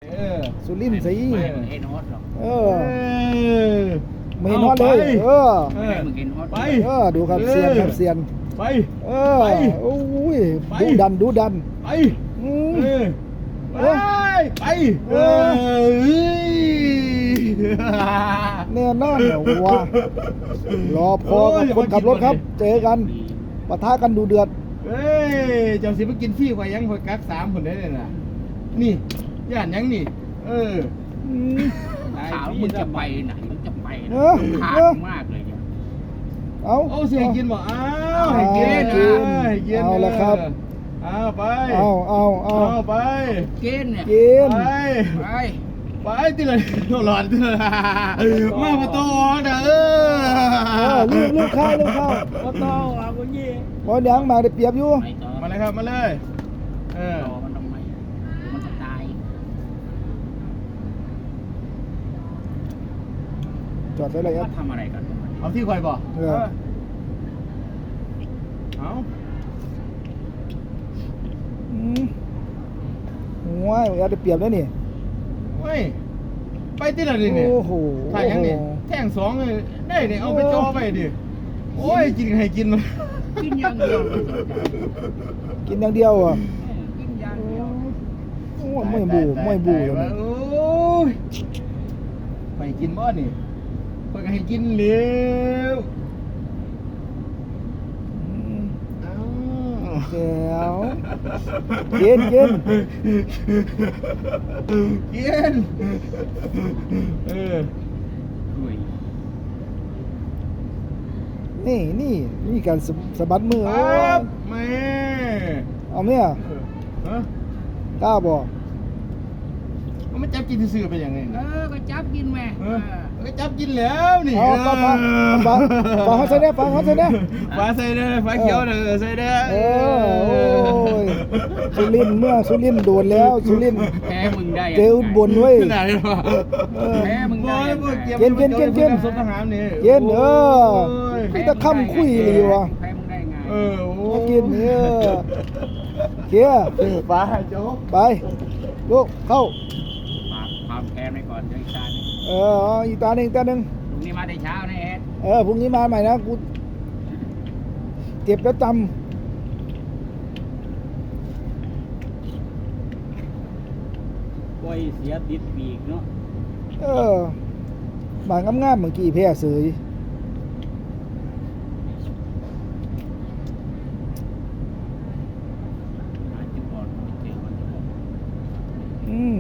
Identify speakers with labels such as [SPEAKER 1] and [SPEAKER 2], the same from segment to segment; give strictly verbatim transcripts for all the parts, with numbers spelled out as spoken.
[SPEAKER 1] สุรินทร์สิ
[SPEAKER 2] ไม่มึงเห็นฮอตหรอก
[SPEAKER 1] เออไม่เห็นฮอตเลยเออ
[SPEAKER 2] ไม่มึงเห็นฮอต
[SPEAKER 3] ไป
[SPEAKER 1] เออดูครับเซียนครับเซียน
[SPEAKER 3] ไป
[SPEAKER 1] เออโอ้ยดูดันดูดัน
[SPEAKER 3] ไป
[SPEAKER 1] อืม
[SPEAKER 3] เออไปไปเออ
[SPEAKER 1] แน่นอนเหรอวะรอพอกับคนขับรถครับ เจอกันปะทะกันดูเดือด
[SPEAKER 3] เฮ้ยเจ้าสิมากินฟรีกว่ายังคอยกักสามคนได้เลยนะนี่ย่านยังนี่เออ
[SPEAKER 1] อืม
[SPEAKER 2] ขาวมึงจะไปไหนมึงจะไป
[SPEAKER 1] เออ
[SPEAKER 2] ขา
[SPEAKER 1] เออ
[SPEAKER 2] ดมากเลยเนี่ย
[SPEAKER 1] เอา
[SPEAKER 3] เอาเสียกินบ่อ้าวให้กิน
[SPEAKER 1] กิน
[SPEAKER 3] ให้กิน
[SPEAKER 1] เอาละครับ
[SPEAKER 3] เอาไป
[SPEAKER 1] เอาเอาเอา
[SPEAKER 3] เอาไป
[SPEAKER 2] เกณฑ์เนี่ย
[SPEAKER 1] กิน
[SPEAKER 3] ไป
[SPEAKER 2] ไป
[SPEAKER 3] ไปที่เลยหลอนที่เลยมาประตูเด้อ
[SPEAKER 1] เออลืมลืมข้าวลืมข้าว
[SPEAKER 2] ก็ต้องเอาคนยี่
[SPEAKER 1] บอลยังมาได้เปรียบอยู่
[SPEAKER 2] ไม่ต่อ
[SPEAKER 3] มาเลยครับมาเลยเออ
[SPEAKER 2] ต่อมันทำไมมันจะตาย
[SPEAKER 1] จอดไว้เลยครับ
[SPEAKER 2] ว่าทำอะไรกัน
[SPEAKER 3] เอาที่คอยบ่
[SPEAKER 1] เออ
[SPEAKER 3] เอา
[SPEAKER 1] อืมว้ายเอาได้เปรียบแล้วนี่
[SPEAKER 3] เว้ยไปที่ไหนดิเนี่ย
[SPEAKER 1] โอ้โห
[SPEAKER 3] ถ่ายยังนี่แท่งสองเลยได้เนี่ยเอาไปจ่อไปดิโอ้ยกินให้กินมัน
[SPEAKER 2] กินอย่างเดียวไม่สนใจ
[SPEAKER 1] กินอย่างเดียวอ่ะ
[SPEAKER 2] กินอย่างเดียว
[SPEAKER 1] โอ้ยไม่บูไม่บูเลยนี่
[SPEAKER 3] โอ้ยไปกินบ่นี่ไปก็ให้กินเร็ว
[SPEAKER 1] อืม
[SPEAKER 3] เอา
[SPEAKER 1] แก้วกินกิน
[SPEAKER 3] กินเออ
[SPEAKER 2] ด้วย
[SPEAKER 1] นี่นี่นี่การสะสะบัดมือ
[SPEAKER 3] ค
[SPEAKER 1] โอ้
[SPEAKER 3] รั
[SPEAKER 1] ย
[SPEAKER 3] บแม่
[SPEAKER 1] เอาไหมอ่ะ
[SPEAKER 3] เออฮะ
[SPEAKER 1] กล้าบ่
[SPEAKER 3] มันไม่จับกินซื่อๆไปอย่างไง
[SPEAKER 2] เอ
[SPEAKER 3] นะ
[SPEAKER 2] อก็จับกินแม่
[SPEAKER 3] เออก็จับกินแล้วนี่
[SPEAKER 1] เอาฟังฟังฟังฟังเขาใส่เนี่ยฟังเขาใส่เนี่ย
[SPEAKER 3] ฟ้าใส่เด้อฟ้าเขียวเด้อใส่เด้อ
[SPEAKER 1] เออโอ้ยสุรินทร์เมื่อสุรินทร์โดนแล้วสุรินทร์
[SPEAKER 2] แพ้มึงได้
[SPEAKER 1] เจออุบลเว้ย
[SPEAKER 3] ขนาดนี้วะ
[SPEAKER 1] เออ
[SPEAKER 2] แพ้มึง
[SPEAKER 3] บ่
[SPEAKER 2] ได้
[SPEAKER 3] บ่เกี่ยว
[SPEAKER 1] กินกินกินกิน
[SPEAKER 3] สมทหารนี่
[SPEAKER 1] กินเออ
[SPEAKER 3] โอ้ย
[SPEAKER 1] มีแต่คำคุยเลยวะ
[SPEAKER 2] แพ้มึงได้ไง
[SPEAKER 3] เออโอ้
[SPEAKER 1] มากินเออเกียร์
[SPEAKER 3] ฟ้าโจ๊ก
[SPEAKER 1] ไปลูกเข้า
[SPEAKER 2] ฝากความแพ้ไว้ก่อนเดี๋ยวอีกตาหนึง
[SPEAKER 1] เออเอาอีกตาหนึ่งอีกตาหนึ่ง
[SPEAKER 2] พรุ่งนี้มาได้เช้านะเอ็ด
[SPEAKER 1] เออพรุ่งนี้มาใหม่นะกูเจ็บแล้วจ
[SPEAKER 2] กล้วยเสียติดปีกเนาะ
[SPEAKER 1] ำเออหมางงามๆเมื่อกี้แพ้เสย
[SPEAKER 2] หาจุดบอลไม่เจอมันจะบอก
[SPEAKER 1] อืม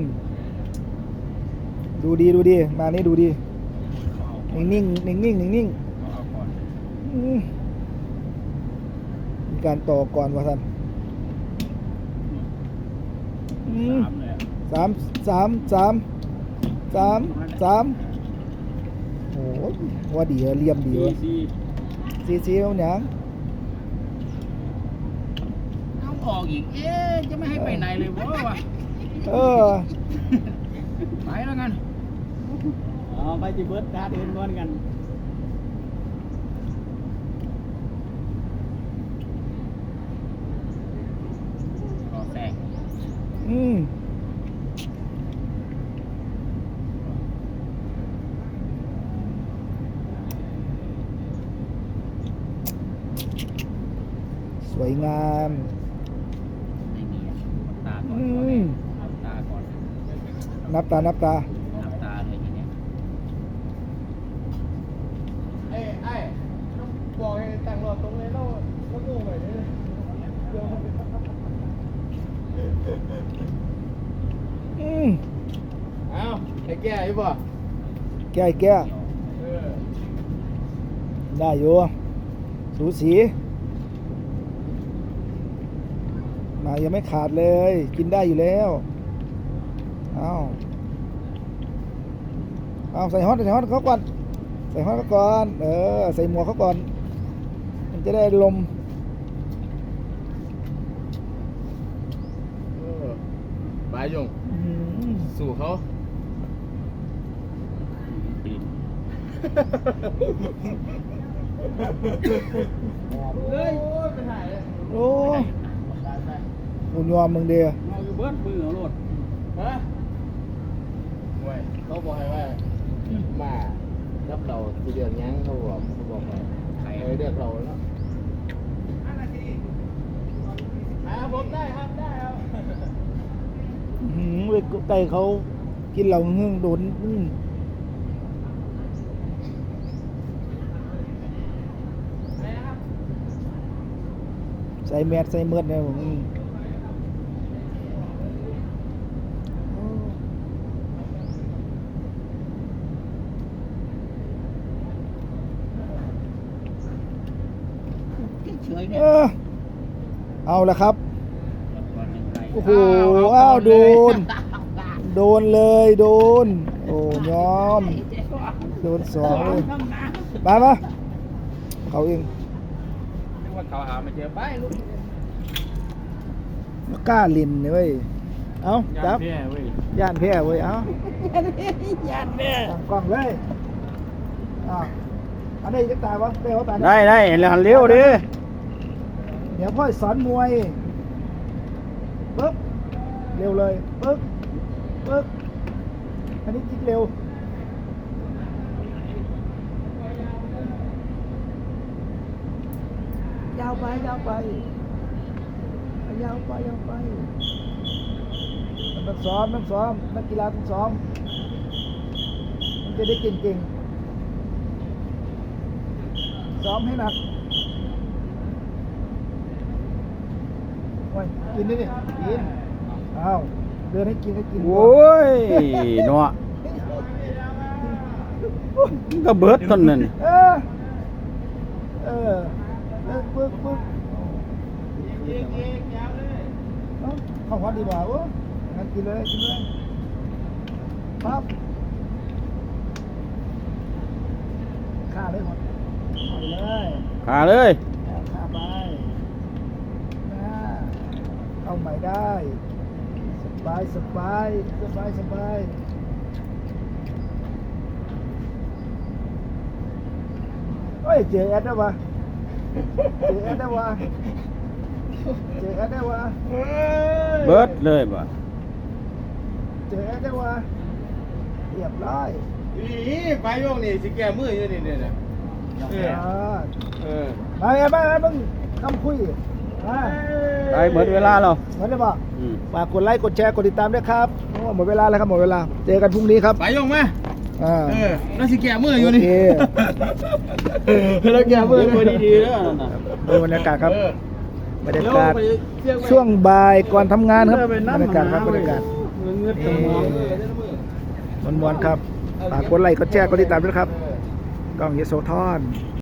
[SPEAKER 1] ดูดีดูดีมานี่ดูดี
[SPEAKER 2] เขาเอาก่อน
[SPEAKER 1] นิ่งนิ่งนิ่งนิ่งนิ่ง
[SPEAKER 2] เขาเอาก่อน
[SPEAKER 1] อืมมีการต่อก่อนวะท่านอืม
[SPEAKER 2] สามเลยอะ
[SPEAKER 1] สามสามสามสามสามโอ้ยว่าดีอะเลี่ยมดี
[SPEAKER 2] สี่
[SPEAKER 1] วะ
[SPEAKER 2] สี่
[SPEAKER 1] ซีซีเอาหยัง
[SPEAKER 2] เอาออกอีก เอ๊ะจะไม่ให้ไปไหนเลยวะวะ
[SPEAKER 1] เออ
[SPEAKER 2] ไปแล้วกันอ๋อไปจิเบิร์ดการเดินก่อนกันรอแทรก
[SPEAKER 1] อืมสวยงาม
[SPEAKER 2] ไม่มีอ่ะตาก่อน
[SPEAKER 1] อื
[SPEAKER 2] ก่อน
[SPEAKER 1] ม
[SPEAKER 2] เลยเอาตาก่อน
[SPEAKER 1] นับตานับตา
[SPEAKER 2] นับตาเลยทีเนี้ย
[SPEAKER 3] ไอ้ไอ้บอกให้ตั้งรอตรงเลยแล้วแล้วโง่ไปเลยเดี๋ยวมัน
[SPEAKER 1] อืม
[SPEAKER 3] เอาให้แก้อยู่ป่ะ
[SPEAKER 1] แก้แก้
[SPEAKER 3] เออ
[SPEAKER 1] ได้อยู่สูสีมายังไม่ขาดเลย กินได้อยู่แล้วเอาเอาใส่ฮอตใส่ฮอตเขาก่อนใส่ฮอตเขาก่อนเออใส่หมวกเขาก่อนมันจะได้ลม
[SPEAKER 3] เออไปยง
[SPEAKER 1] อื้อหือ
[SPEAKER 3] สู่เขา
[SPEAKER 2] ปีน
[SPEAKER 3] เฮ้ยโอ้ยไปถ่ายเลย
[SPEAKER 1] โอ้
[SPEAKER 2] ไป
[SPEAKER 1] บุญยอมมึงเดีย
[SPEAKER 2] เอาอยู่เบิร์ดมือเอาโลด
[SPEAKER 3] ฮะเขาบอกให้ว่ามารับเราทีเดือนยังเขาบอกเขาบอกว่าใครเดือดเราแล้วอ่าผมได้ครับได้ครับ
[SPEAKER 1] อื้อหือไปไก่เขากินเหล้าหึ่งโดนอื้อใส่แมสใส่เมือดเลยผมอื้อ
[SPEAKER 2] เฉยๆ
[SPEAKER 1] เอ
[SPEAKER 2] เนี่ย
[SPEAKER 1] อเอาละครับ โอ้โหอ้าวโดน โดนเลยโดน โอ้ยอม โดนสองเลยมามาเขาเอง
[SPEAKER 3] นึกว่าเขาหาไม่เจอไปลูก
[SPEAKER 1] มากล้าลินเนี่ยเว้ย เอาจับ
[SPEAKER 3] แพ้เว้ย
[SPEAKER 1] ย่านแพ้เว้ย เอา
[SPEAKER 2] ญาติแม่
[SPEAKER 1] ตั้งกล้องเลยอ่าอันนี้จะตายวะเปลวะตายนะ
[SPEAKER 2] ได้ได้แล้วหันเร็วดิ
[SPEAKER 1] เดี๋ยวพ่อสอนมวยปึ๊บเร็วเลยปึ๊บปึ๊บอันนี้คิดเร็ว ยาวไปยาวไปยาวไปยาวไปมันต้องซ้อมต้องซ้อมนักกีฬาต้องซ้อมมันจะได้เก่งๆซ้อมให้หนักโอ้ยกินดิดิกินอ้าวเดินให้กินให้กิน
[SPEAKER 2] โอ้ยเนาะก็เบิดต้นนั่น
[SPEAKER 1] เออเออเออปึ๊กปึ๊ก
[SPEAKER 3] เอกเอกยาวเลย
[SPEAKER 1] เอ้าเข้าวัดดีกว่าโอ้งั้นกินเลยกินเลยปั๊บฆ่าเลยหมดเอาไปเลย
[SPEAKER 2] ขาเลย
[SPEAKER 1] ฆ่าไปนะเอาใหม่ได้สบายสบายสบายสบายเฮ้ยเจอแอดได้ปะเจอแอดได้ปะเจอแอดได้ปะ
[SPEAKER 2] เบิดเลยบ่
[SPEAKER 1] เจอแอดได้ปะเรียบร้อย
[SPEAKER 3] อีไปโยกนี่สิแกมืออยู่นี่เนี่ย เออ
[SPEAKER 1] อ่า
[SPEAKER 3] เออ
[SPEAKER 1] มาไงมาไงมึงคำคุยมา
[SPEAKER 2] ได้เบิดเวลาแล้ว
[SPEAKER 1] เหมือนได้ปะ
[SPEAKER 2] อืม
[SPEAKER 1] ฝากกดไลค์กดแชร์กดติดตามด้วยครับโอ้หมดเวลาแล้วครับหมดเวลาเจอกันพรุ่งนี้ครับ
[SPEAKER 3] ไปโยกมา
[SPEAKER 1] อ่า
[SPEAKER 3] เออแล้วสิแกมืออยู่นี่
[SPEAKER 1] โอเค
[SPEAKER 3] แล้วแกมือ
[SPEAKER 2] เบิดดีๆแล้วนั่นน่ะ
[SPEAKER 1] ดูบรรยากาศครับ
[SPEAKER 3] เออบ
[SPEAKER 1] รรยากาศ
[SPEAKER 3] เดี๋ยวไปเสี่ยงไว้
[SPEAKER 1] ช่วงบ่ายก่อนทำงานครับ
[SPEAKER 2] ไป
[SPEAKER 1] บรรยากาศครับบรรยากาศ
[SPEAKER 2] เงือดสมอง
[SPEAKER 3] เออได้ละมือ
[SPEAKER 1] มวนๆครับฝากกดไลค์กดแชร์กดติดตามด้วยครับกล้องเยโสธร